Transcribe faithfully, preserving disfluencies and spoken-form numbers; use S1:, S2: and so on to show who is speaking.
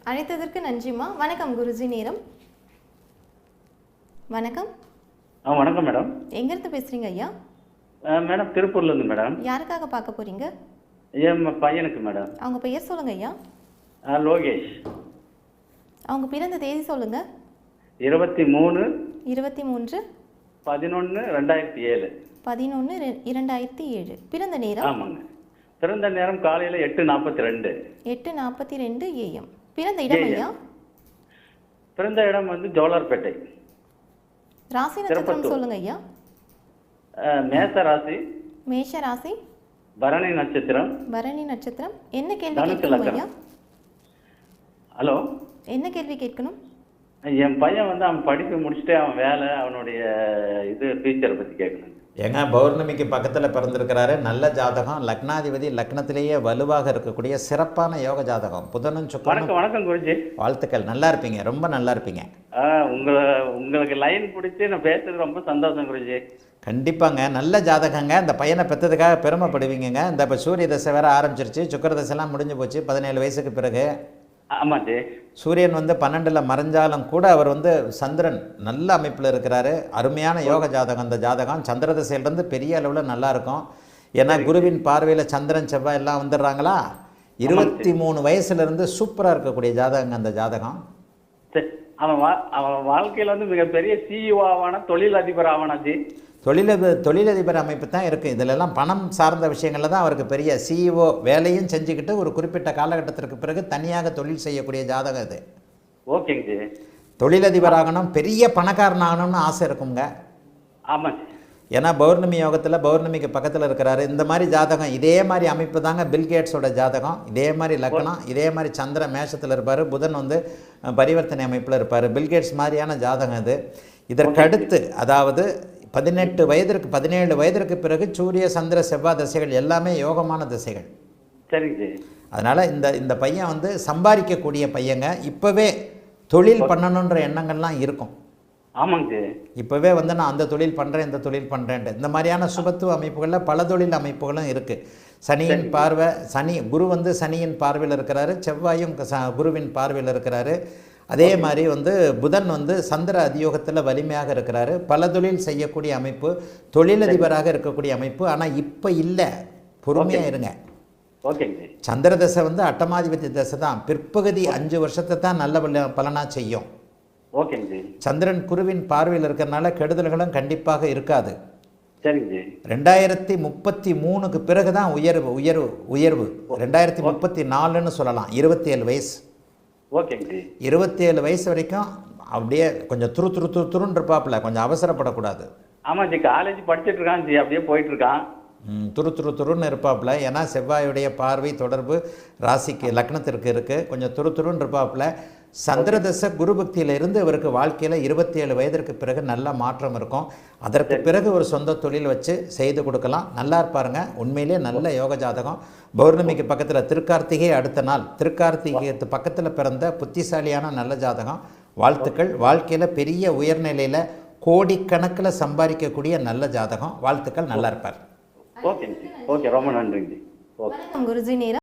S1: அழைத்ததற்கு நன்றிம்மா. வணக்கம் குருஜி. நேரம் வணக்கம்.
S2: ஆ வணக்கம் மேடம்.
S1: எங்கேருந்து பேசுகிறீங்க ஐயா?
S2: மேடம் திருப்பூர்லேருந்து மேடம்.
S1: யாருக்காக பார்க்க போகிறீங்க?
S2: என் பையனுக்கு மேடம்.
S1: அவங்க பெயர் சொல்லுங்க ஐயா.
S2: லோகேஷ்.
S1: அவங்க பிறந்த தேதி சொல்லுங்க.
S2: இருபத்தி மூணு
S1: இருபத்தி மூன்று
S2: பதினொன்று ரெண்டாயிரத்தி ஏழு
S1: பதினொன்று இரண்டாயிரத்தி ஏழு. பிறந்த நேரம்?
S2: ஆமாங்க. பிறந்த நேரம் காலையில் எட்டு நாற்பத்தி ரெண்டு
S1: எட்டு நாற்பத்தி ரெண்டு ஏஎம். பிறந்த இடம் ஐயா?
S2: பிறந்த இடம் வந்து ஜோலார்பேட்டை.
S1: ராசி நட்சத்திரம் சொல்லுங்க ஐயா.
S2: மேச ராசி.
S1: மேஷ ராசி.
S2: பரணி நட்சத்திரம்.
S1: பரணி நட்சத்திரம். என்ன கேள்வி கேட்கணும் ஐயா?
S2: ஹலோ,
S1: என்ன கேள்வி கேட்கணும்?
S2: என் பையன் வந்து அவன் படிப்பு முடிச்சுட்டு அவன் வேலை அவனுடைய இது ஃபியூச்சரை பற்றி கேட்கணும்.
S3: ஏங்க பௌர்ணமிக்கு பக்கத்தில் பிறந்திருக்கிறாரு. நல்ல ஜாதகம். லக்னாதிபதி லக்னத்திலேயே வலுவாக இருக்கக்கூடிய சிறப்பான யோக ஜாதகம். புதனும் சுக்கிரனும்.
S2: வணக்கம் வணக்கம் குருஜி.
S3: வாழ்த்துக்கள். நல்லா இருப்பீங்க, ரொம்ப நல்லா இருப்பீங்க.
S2: உங்களை உங்களுக்கு லைன் பிடிச்சி நான் பேசுறது ரொம்ப சந்தோஷம் குருஜி.
S3: கண்டிப்பாங்க. நல்ல ஜாதகங்க. இந்த பையனை பெற்றதுக்காக பெருமைப்படுவீங்கங்க. இந்த இப்போ சூரிய தசை வேற ஆரம்பிச்சிருச்சு. சுக்கிர தசைலாம் முடிஞ்சு போச்சு பதினேழு வயசுக்கு பிறகு.
S2: ஆமாச்சு.
S3: சூரியன் வந்து பன்னெண்டில் மறைஞ்சாலும் கூட அவர் வந்து சந்திரன் நல்ல அமைப்பில் இருக்கிறாரு. அருமையான யோக ஜாதகம் இந்த ஜாதகம். சந்திர திசையிலிருந்து பெரிய அளவில் நல்லா இருக்கும். ஏன்னா குருவின் பார்வையில் சந்திரன் செவ்வாய் எல்லாம் வந்துடுறாங்களா. இருபத்தி மூணு வயசுலேருந்து சூப்பராக இருக்கக்கூடிய ஜாதகங்க அந்த ஜாதகம்.
S2: அவன் வா அவன் வாழ்க்கையில் வந்து மிகப்பெரிய சிஇஓ ஆவான, தொழில் அதிபர் ஆவானாச்சு.
S3: தொழிலதிபர் தொழிலதிபர் அமைப்பு தான் இருக்குது. இதிலெல்லாம் பணம் சார்ந்த விஷயங்களில் தான் அவருக்கு பெரிய சிஇஓ வேலையும் செஞ்சுக்கிட்டு ஒரு குறிப்பிட்ட காலகட்டத்திற்கு பிறகு தனியாக தொழில் செய்யக்கூடிய ஜாதகம் இது.
S2: ஓகேங்க.
S3: தொழிலதிபர் ஆகணும், பெரிய பணக்காரன் ஆகணும்னு ஆசை இருக்குங்க.
S2: ஆமாம்.
S3: ஏன்னா பௌர்ணமி யோகத்தில் பௌர்ணமிக்கு பக்கத்தில் இருக்கிறாரு. இந்த மாதிரி ஜாதகம் இதே மாதிரி அமைப்பு தாங்க பில்கேட்ஸோட ஜாதகம். இதே மாதிரி லக்னம், இதே மாதிரி சந்திர மேஷத்தில் இருப்பார். புதன் வந்து பரிவர்த்தனை அமைப்பில் இருப்பார். பில்கேட்ஸ் மாதிரியான ஜாதகம் இது. இதற்கடுத்து அதாவது பதினெட்டு வயதிற்கு பதினேழு வயதிற்கு பிறகு சூரிய சந்திர செவ்வாய் திசைகள் எல்லாமே யோகமான திசைகள்.
S2: சரிங்க.
S3: அதனால் இந்த இந்த பையன் வந்து சம்பாதிக்கக்கூடிய பையங்க. இப்போவே தொழில் பண்ணணுன்ற எண்ணங்கள்லாம் இருக்கும்.
S2: ஆமாங்க.
S3: இப்போவே வந்து நான் அந்த தொழில் பண்ணுறேன் இந்த தொழில் பண்ணுறேன்ட்டு இந்த மாதிரியான சுபத்துவ அமைப்புகளில் பல தொழில் அமைப்புகளும் இருக்குது. சனியின் பார்வை, சனி குரு வந்து சனியின் பார்வையில் இருக்கிறாரு. செவ்வாயும் குருவின் பார்வையில் இருக்கிறாரு. அதே மாதிரி வந்து புதன் வந்து சந்திர அதியோகத்தில் வலிமையாக இருக்கிறாரு. பல தொழில் செய்யக்கூடிய அமைப்பு, தொழிலதிபராக இருக்கக்கூடிய அமைப்பு. ஆனால் இப்போ இல்லை, பொறுமையாக இருங்க. சந்திர தசை வந்து அட்டமாதிபதி தசை தான். பிற்பகுதி அஞ்சு வருஷத்தை தான் நல்ல பலனாக செய்யும். சந்திரன் குருவின் பார்வையில் இருக்கிறனால கெடுதல்களும் கண்டிப்பாக இருக்காது. ரெண்டாயிரத்தி முப்பத்தி மூணுக்கு பிறகு தான் உயர்வு உயர்வு உயர்வு ரெண்டாயிரத்தி முப்பத்தி நாலுன்னு சொல்லலாம். இருபத்தி ஏழு வயசு இருபத்தி ஏழு வயசு வரைக்கும் அப்படியே கொஞ்சம் துரு துரு துரு துருன்னு இருப்பாப்புல. கொஞ்சம் அவசரப்படக்கூடாது.
S2: ஆமாம் ஜி, காலேஜ் படிச்சுட்டு இருக்கான் ஜி, அப்படியே போயிட்டு இருக்கான்.
S3: துரு துரு துருன்னு இருப்பாப்புல. ஏன்னா செவ்வாயுடைய பார்வை தொடர்பு ராசிக்கு லக்னத்திற்கு இருக்குது. கொஞ்சம் துரு துருன்னு இருப்பாப்புல. சந்திரதச குரு பக்தியில் இருந்து இவருக்கு வாழ்க்கையில் இருபத்தி ஏழு வயதிற்கு பிறகு நல்ல மாற்றம் இருக்கும். அதற்கு பிறகு ஒரு சொந்த தொழில் வச்சு செய்து கொடுக்கலாம். நல்லா இருப்பாருங்க. உண்மையிலே நல்ல யோக ஜாதகம். பௌர்ணமிக்கு பக்கத்தில் திருக்கார்த்திகை அடுத்த நாள். திருக்கார்த்திகைக்கு பக்கத்தில் பிறந்த புத்திசாலியான நல்ல ஜாதகம். வாழ்த்துக்கள். வாழ்க்கையில் பெரிய உயர்நிலையில் கோடிக்கணக்கில் சம்பாதிக்கக்கூடிய நல்ல ஜாதகம். வாழ்த்துக்கள். நல்லா இருப்பார்.
S2: ஓகே ஓகே, ரொம்ப நன்றிங்க.
S1: குருஜி. நேரம்